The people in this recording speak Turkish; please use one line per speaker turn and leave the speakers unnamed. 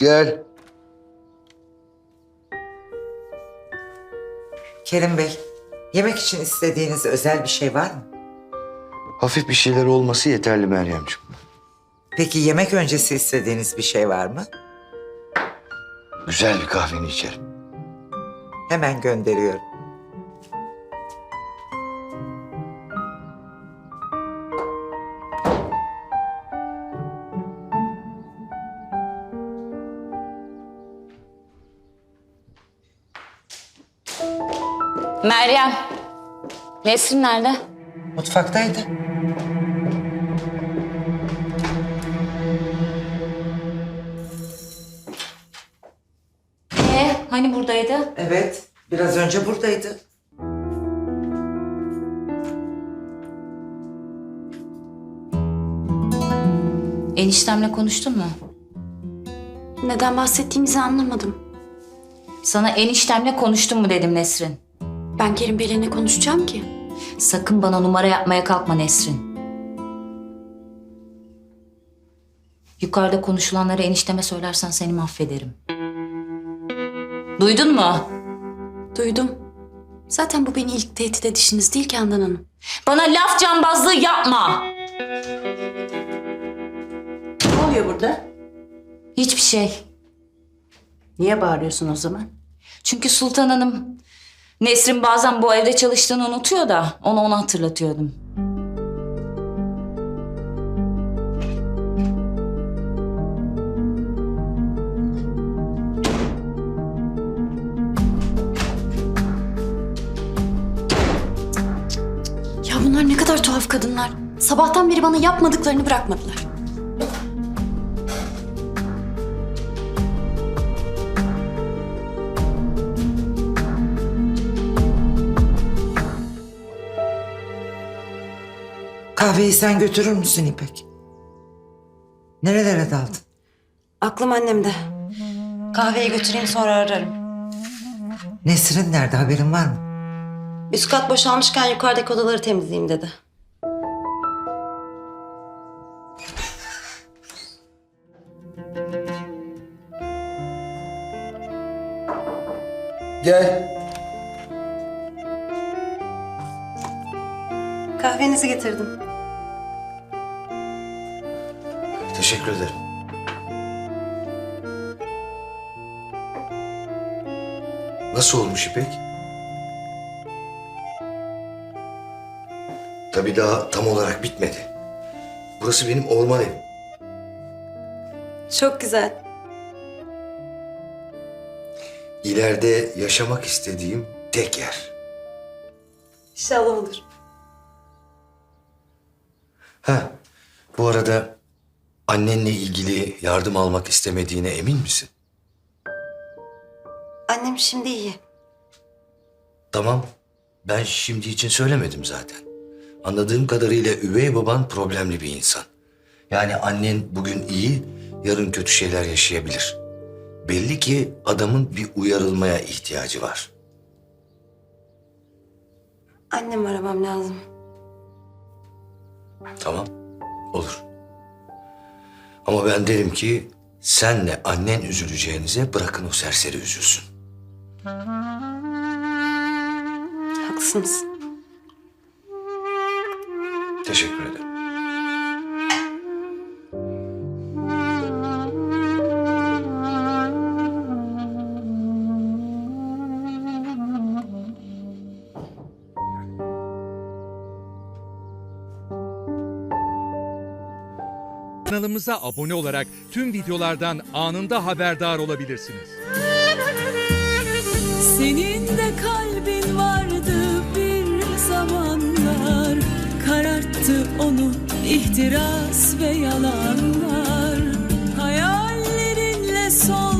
Gel.
Kerim Bey, yemek için istediğiniz özel bir şey var mı?
Hafif bir şeyler olması yeterli Meryemciğim.
Peki yemek öncesi istediğiniz bir şey var mı?
Güzel bir kahveni içerim.
Hemen gönderiyorum.
Meryem. Nesrin nerede?
Mutfaktaydı.
Hani buradaydı?
Evet, biraz önce buradaydı.
Eniştemle konuştun mu?
Neden bahsettiğinizi anlamadım.
Sana eniştemle konuştun mu dedim Nesrin.
Ben Kerim Bey'le ne konuşacağım ki?
Sakın bana numara yapmaya kalkma Nesrin. Yukarıda konuşulanları enişteme söylersen seni mahvederim. Duydun mu?
Duydum. Zaten bu beni ilk tehdit edişiniz değil ki Handan Hanım.
Bana laf cambazlığı yapma.
Ne oluyor burada?
Hiçbir şey.
Niye bağırıyorsun o zaman?
Çünkü Sultan Hanım, Nesrin bazen bu evde çalıştığını unutuyor da onu hatırlatıyordum.
Ya bunlar ne kadar tuhaf kadınlar. Sabahtan beri bana yapmadıklarını bırakmadılar.
Kahveyi sen götürür müsün İpek? Nerelere daldın?
Aklım annemde. Kahveyi götüreyim sonra ararım.
Nesrin nerede, haberin var mı?
Üst kat boşalmışken yukarıdaki odaları temizleyeyim dedi.
Gel.
Kahvenizi getirdim.
Teşekkür ederim. Nasıl olmuş İpek? Tabii daha tam olarak bitmedi. Burası benim orman evim.
Çok güzel.
İleride yaşamak istediğim tek yer.
İnşallah olur.
Ha, bu arada annenle ilgili yardım almak istemediğine emin misin?
Annem şimdi iyi.
Tamam, ben şimdi için söylemedim zaten. Anladığım kadarıyla üvey baban problemli bir insan. Yani annen bugün iyi, yarın kötü şeyler yaşayabilir. Belli ki adamın bir uyarılmaya ihtiyacı var.
Annemi aramam lazım.
Tamam, olur. Ama ben derim ki senle annen üzüleceğinize bırakın o serseri üzülsün.
Haklısınız.
Teşekkür ederim.
Kanalımıza abone olarak tüm videolardan anında haberdar olabilirsiniz.
Senin de kalbin vardı bir zamanlar, kararttı onu ihtiras ve yalanlar. Hayallerinle son